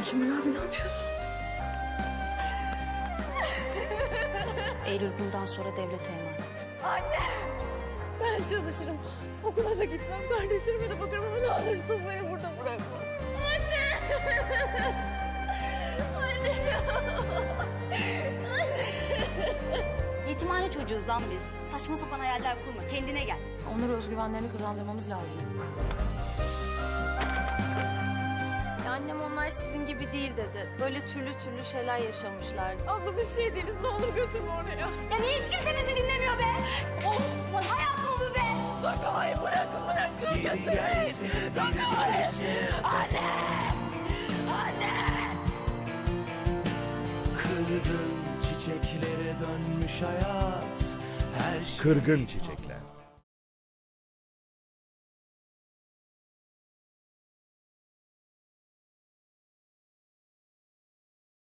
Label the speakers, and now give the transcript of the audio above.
Speaker 1: Kemal abi ne yapıyorsun?
Speaker 2: Eylül bundan sonra devlete emanet.
Speaker 1: Anne! Ben çalışırım. Okula da gitmem. Kardeşlerime de bakarım ama ne olursun beni burada bırakma. Anne! Anne!
Speaker 2: Yetimhane çocuğuz lan biz. Saçma sapan hayaller kurma. Kendine gel.
Speaker 3: Onlara özgüvenlerini kazandırmamız lazım.
Speaker 4: Annem onlar sizin gibi değil dedi. Böyle türlü şeyler yaşamışlar.
Speaker 1: Abla biz şey değiliz. Ne olur götürme oraya.
Speaker 2: Ya niye hiç kimse bizi dinlemiyor be? Of! Hayat mı bu be?
Speaker 1: Dokunmayın bırakın götürmeyin. Dokunmayın. Anne! Anne!
Speaker 5: Kırgın çiçeklere dönmüş hayat. Her şey
Speaker 6: Kırgın Çiçekler.